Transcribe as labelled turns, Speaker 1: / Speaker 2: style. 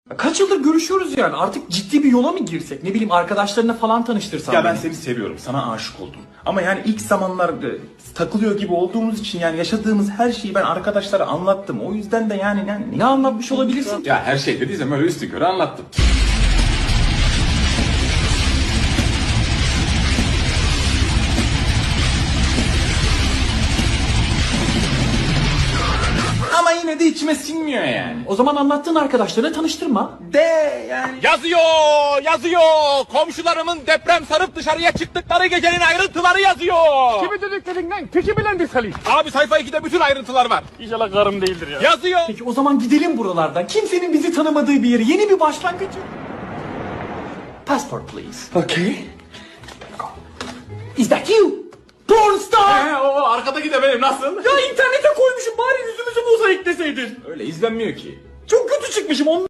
Speaker 1: Kaç yıldır görüşüyoruz yani, artık ciddi bir yola mı girsek, ne bileyim arkadaşlarına falan tanıştırsam.
Speaker 2: Ya ben
Speaker 1: beni.
Speaker 2: seni seviyorum, sana aşık oldum. Ama yani ilk zamanlar takılıyor gibi olduğumuz için yani yaşadığımız her şeyi ben arkadaşlara anlattım. O yüzden de yani
Speaker 1: Ne anlatmış olabilirsin?
Speaker 3: Ya her şey dediysem öyle üstü körü anlattım.
Speaker 2: ama yine de içime sinmiyor yani.
Speaker 1: O zaman anlattığın arkadaşlarına tanıştırma.
Speaker 2: De yani.
Speaker 4: Yazıyor. Komşularımın deprem sarıp dışarıya çıktıkları gecenin ayrıntıları yazıyor.
Speaker 5: Kimi dediklerinden peki bilendir Salih.
Speaker 4: Abi sayfa 2'de bütün ayrıntılar var.
Speaker 5: İnşallah karım değildir ya.
Speaker 4: Yazıyor.
Speaker 1: Peki o zaman gidelim buralardan. Kimsenin bizi tanımadığı bir yere, yeni bir başlangıç. Passport please.
Speaker 2: Okay.
Speaker 1: Is that you? Porn star!
Speaker 3: O arkadaki de benim, nasıl?
Speaker 1: Ya internete koymuşum, bari yüzümüzü mozaikleseydin.
Speaker 3: Öyle izlenmiyor ki.
Speaker 1: Çok kötü çıkmışım.